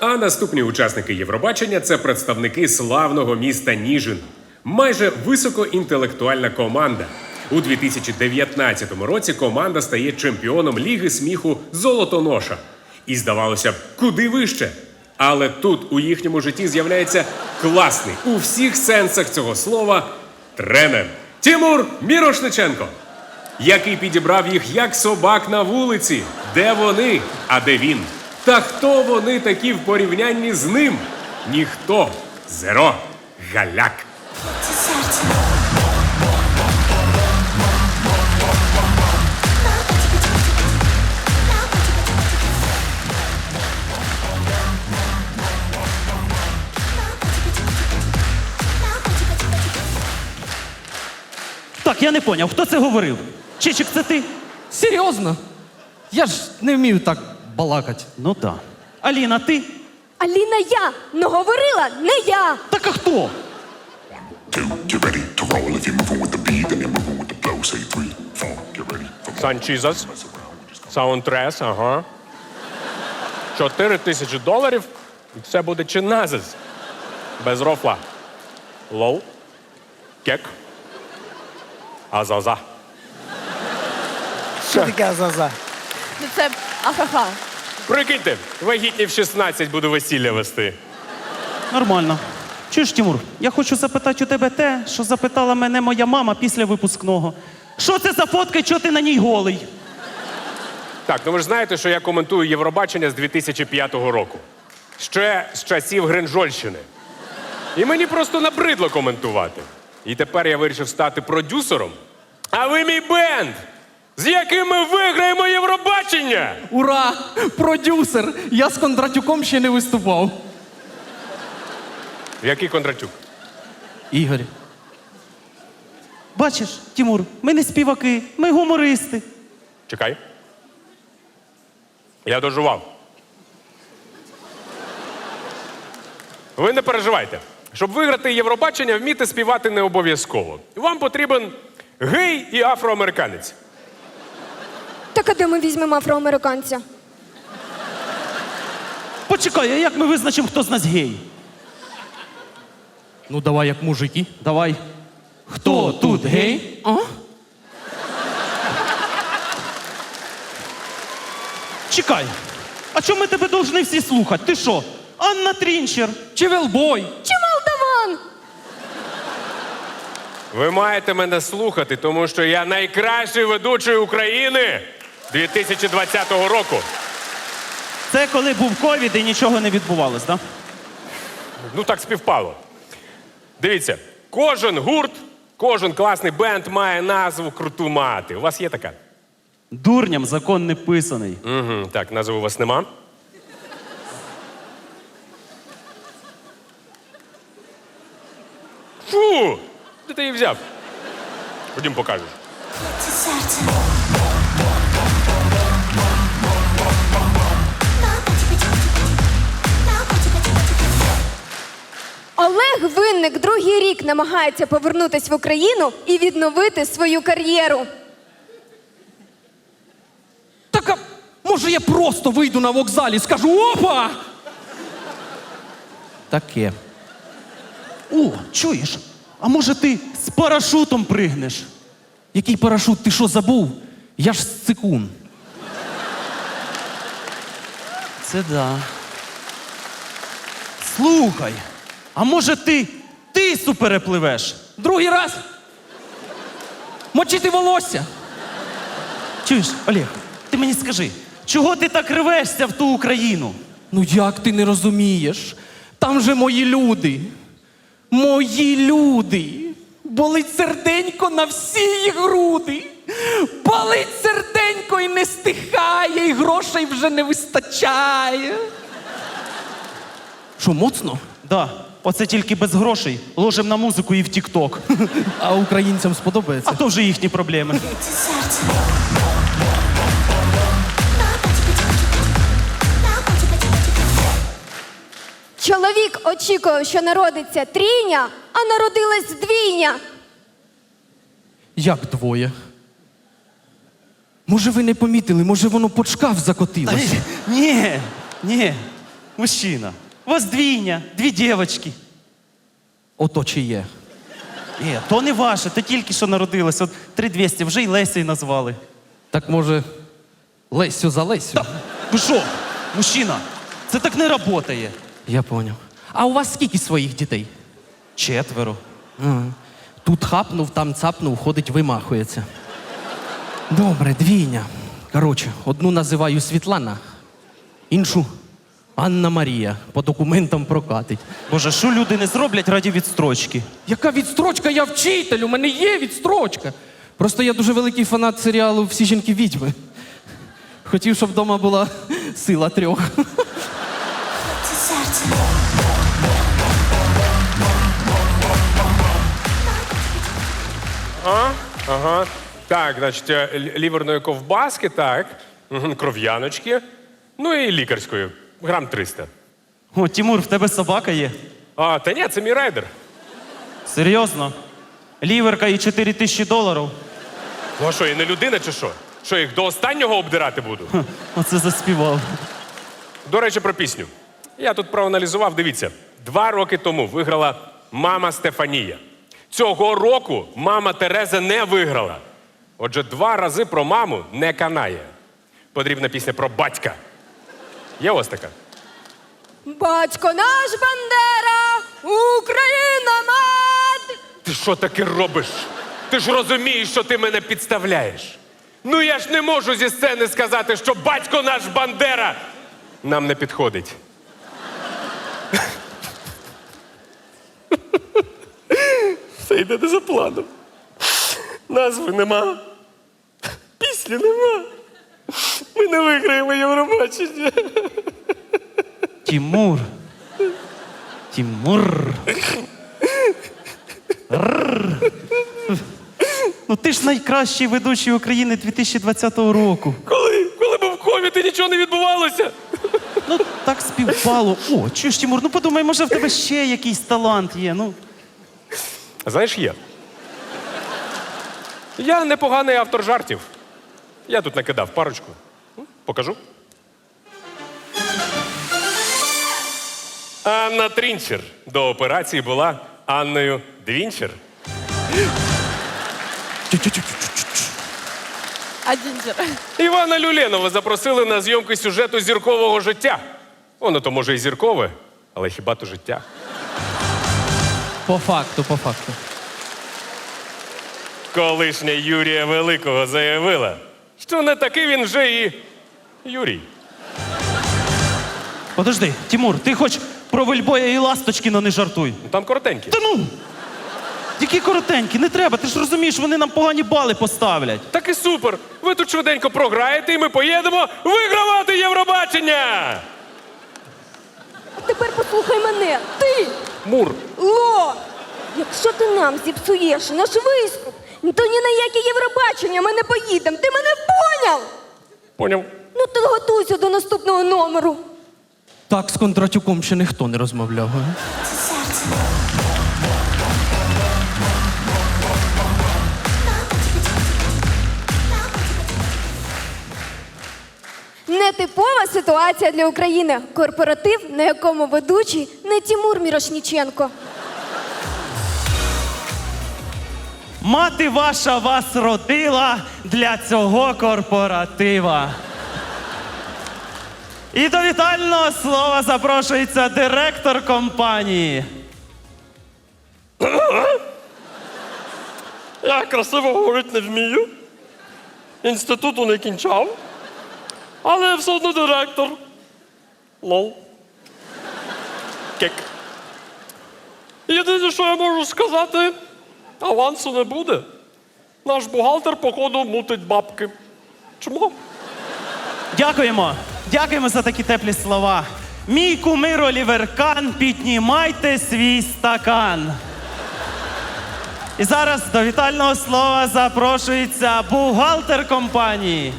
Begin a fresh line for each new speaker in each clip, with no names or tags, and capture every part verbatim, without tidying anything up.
А наступні учасники Євробачення – це представники славного міста Ніжин. Майже високоінтелектуальна команда. У дві тисячі дев'ятнадцятому році команда стає чемпіоном Ліги сміху «Золотоноша». І здавалося б, куди вище. Але тут у їхньому житті з'являється класний, у всіх сенсах цього слова, тренер Тимур Мірошниченко, який підібрав їх як собак на вулиці. Де вони, а де він? Та хто вони такі в порівнянні з ним? Ніхто. Зеро. Галяк.
Так, я не поняв, хто це говорив? Чичик, це ти?
Серйозно? Я ж не вмію так балакати.
Ну так. Аліна, ти?
Аліна я, но говорила не я.
Так а хто?
Two, get ready to roll. If you're moving with the beat, then you're moving with the flow. Say three, four, get ready.
Санчізас. Саундтрес, ага. Чотири тисячі доларів, і це буде чиназис. Без рофла. Лоу. Кек. Азаза.
Що таке азаза?
Ну це ахаха.
Прикиньте, вагітні в шістнадцять буду весілля вести.
Нормально. Чуєш, Тимур, я хочу запитати у тебе те, що запитала мене моя мама після випускного. Що це за фотка і чого ти на ній голий?
Так, ну ви ж знаєте, що я коментую Євробачення з дві тисячі п'ятого року. Ще з часів Гринжольщини. І мені просто набридло коментувати. І тепер я вирішив стати продюсером. А ви мій бенд, з яким ми виграємо Євробачення!
Ура! Продюсер! Я з Кондратюком ще не виступав.
Який Кондратюк?
Ігор.
Бачиш, Тимур, ми не співаки, ми гумористи.
Чекай. Я дожував. Ви не переживайте. Щоб виграти Євробачення, вміти співати не обов'язково. Вам потрібен гей і афроамериканець.
Так а де ми візьмемо афроамериканця?
Почекай, а як ми визначимо, хто з нас гей?
Ну давай як мужики.
Давай.
Хто тут гей? А?
Чекай. А чому ми тебе повинні всі слухати? Ти що? Анна Трінчер.
Чи велбой?
Чи Молдаван?
Ви маєте мене слухати, тому що я найкращий ведучий України дві тисячі двадцятого року.
Це коли був ковід і нічого не відбувалось, так?
Ну так співпало. Дивіться, кожен гурт, кожен класний бенд має назву круту мати. У вас є така?
Дурням закон не писаний.
Угу, так, назви у вас нема. Фу! Де ти її взяв? Ходім покажеш.
Олег Винник другий рік намагається повернутися в Україну і відновити свою кар'єру.
Так, а може я просто вийду на вокзалі і скажу опа! Таке.
О, чуєш? А може ти з парашутом пригнеш?
Який парашут? Ти що, забув? Я ж з цикун.
Це да. Слухай, а може ти тису перепливеш?
Другий раз? Мочити волосся?
Чуєш, Олег, ти мені скажи, чого ти так рвешся в ту Україну?
Ну як ти не розумієш? Там же мої люди. Мої люди. Болить серденько на всі їх груди. Болить серденько і не стихає, і грошей вже не вистачає. Що, моцно?
Да, оце тільки без грошей. Ложим на музику і в тік-ток.
А українцям сподобається?
А то вже їхні проблеми.
Чоловік очікував, що народиться трійня, а народилась двійня.
Як двоє? Може ви не помітили, може воно під шкаф закотилось?
Ні, ні. Мужчина, у вас двійня, дві дівчатки.
Ото чи є.
Е, то не ваше, то тільки що народилось. От три двісті, вже й Лесею назвали.
Так може, Лесю за Лесю?
Ви що, мужчина, це так не працює.
Я поняв. А у вас скільки своїх дітей?
Четверо.
Ага. Тут хапнув, там цапнув, ходить, вимахується. Добре, двійня. Коротше, одну називаю Світлана, іншу Анна Марія. По документам прокатить.
Боже, що люди не зроблять раді відстрочки?
Яка відстрочка? Я вчитель, у мене є відстрочка. Просто я дуже великий фанат серіалу «Всі жінки відьми». Хотів, щоб вдома була сила трьох.
Ага, ага. Так, значить, е, лі- ліверної ковбаски, так. Мгм, кров'яночки. Ну і лікарської. Грам триста.
О, Тимур, в тебе собака є?
А, та ні, це мій райдер.
Серйозно? Ліверка і чотири тисячі доларів?
Ну а що, я не людина чи що? Що, їх до останнього обдирати буду?
Ха, оце заспівав.
До речі, про пісню. Я тут проаналізував, дивіться. Два роки тому виграла мама Стефанія. Цього року мама Тереза не виграла. Отже, два рази про маму не канає. Потрібна пісня про батька. Є ось така.
Батько наш Бандера, Україна мать!
Ти що таке робиш? Ти ж розумієш, що ти мене підставляєш. Ну я ж не можу зі сцени сказати, що батько наш Бандера нам не підходить. Все йде не за планом. Назви нема. Пісні нема. Ми не виграємо Євробачення.
Тимур. Тимур. Рррр. Ну ти ж найкращий ведучий України дві тисячі двадцятого року.
Коли? Коли був ковід і нічого не відбувалося?
Ну так співпало. О, чуєш, Тимур, ну подумай, може в тебе ще якийсь талант є. Ну,
Знаєш, є. Я непоганий автор жартів. Я тут накидав парочку. М, Покажу. Анна Трінчер до операції була Анною Двінчер.
А Дінджер?
Івана Люленова запросили на зйомки сюжету зіркового життя. Воно то може і зіркове, але хіба то життя.
По факту, по факту.
Колишня Юрія Великого заявила, що не такий він вже і Юрій.
подожди, Тимур, ти хоч про Вельбоя і Ласточкіна не жартуй.
Ну, там коротенький.
Та ну! Які коротенькі, не треба, ти ж розумієш, вони нам погані бали поставлять.
Так і супер. Ви тут швиденько програєте, і ми поїдемо вигравати Євробачення!
А тепер послухай мене. Ти,
Мур.
Ло! Якщо ти нам зіпсуєш наш виступ, то ні на яке Євробачення ми не поїдемо. Ти мене поняв?
Поняв.
Ну то готуйся до наступного номеру.
Так з Кондратюком ще ніхто не розмовляв. а?
Нетипова ситуація для України. Корпоратив, на якому ведучий не Тимур Мірошніченко.
Мати ваша вас родила для цього корпоратива. І до вітального слова запрошується директор компанії.
Я красиво говорити не вмію. Інституту не кінчав. Але я все одно директор. Лол.
Кек.
Єдине, що я можу сказати, авансу не буде. Наш бухгалтер, походу, мутить бабки. Чому?
Дякуємо. Дякуємо за такі теплі слова. Мій кумир Олівер Кан, піднімайте свій стакан. І зараз до вітального слова запрошується бухгалтер компанії.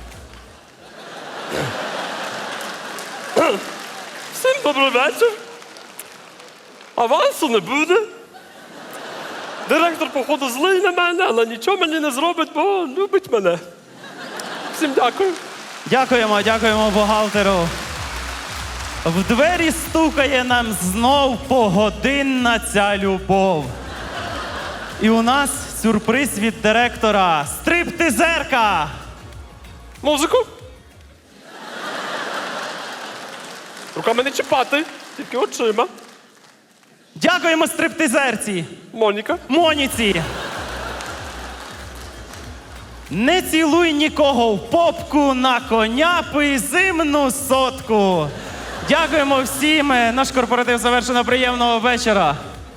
Всім добрий вечір. Авансу не буде. Директор, походу, злий на мене, але нічого мені не зробить, бо любить мене. Всім дякую.
Дякуємо, дякуємо бухгалтеру. В двері стукає нам знов погодинна ця любов. І у нас сюрприз від директора. Стриптизерка!
Музику. Руками не чіпати, тільки очима.
Дякуємо стриптизерці!
Моніка.
Моніці! Не цілуй нікого в попку, на коня пий зимну сотку. Дякуємо всім. Наш корпоратив завершено. Приємного вечора.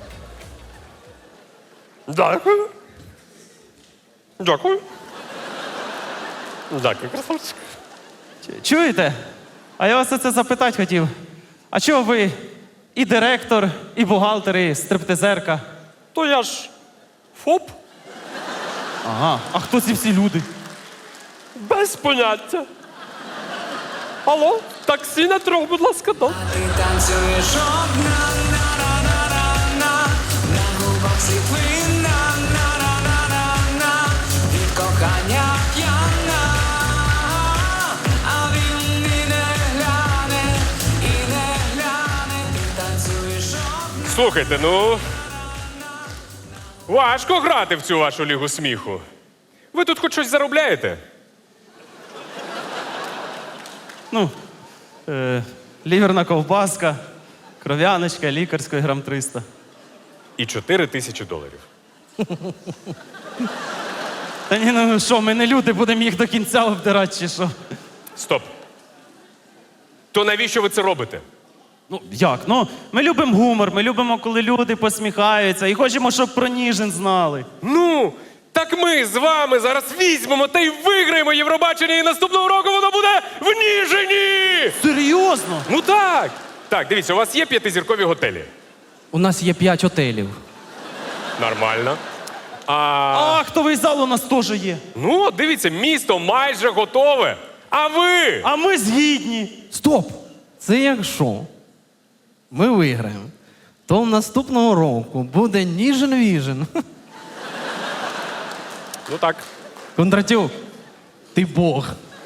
Дякую. Дякую. Дякую, красавчик.
Чуєте? А я вас оце запитати хотів. А чого ви і директор, і бухгалтер, і стриптизерка?
То я ж ФОП
Ага. А хто ці всі люди?
без поняття. Алло, таксі на трьох, будь ласка, да.
Ти танцюєш одна, на-на-на-на-на, на губах світлина, на-на-на-на-на, від кохання п'яна, а він і не гляне, і не гляне, ти танцюєш одна.
Слухайте, ну. Важко грати в цю вашу лігу сміху. Ви тут хоч щось заробляєте?
Ну, е, ліверна ковбаска, кров'яночка, лікарської грам триста.
І чотири тисячі доларів.
Та ні, ну що, ми не люди, будемо їх до кінця обдирати, чи що?
Стоп. То навіщо ви це робите?
Ну, як? Ну, ми любимо гумор, ми любимо, коли люди посміхаються, і хочемо, щоб про Ніжин знали.
Ну, так ми з вами зараз візьмемо та й виграємо Євробачення, і наступного року воно буде в Ніжині!
Серйозно?
Ну так! Так, дивіться, у вас є п'ятизіркові готелі.
У нас є п'ять готелів.
Нормально. А,
А актовий зал у нас теж є.
ну, от дивіться, місто майже готове. А ви?
А ми згідні.
Стоп! Це якщо ми виграємо, то наступного року буде Ніжин-Віжин.
Ну так.
Кондратюк, ти Бог.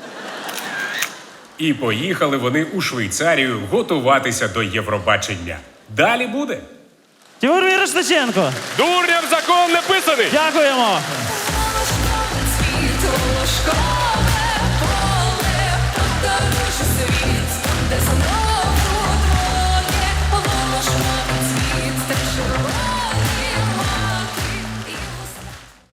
І поїхали вони у Швейцарію готуватися до Євробачення. Далі буде.
Тимур Мірошниченко,
Дурням закон не писаний!
дякуємо.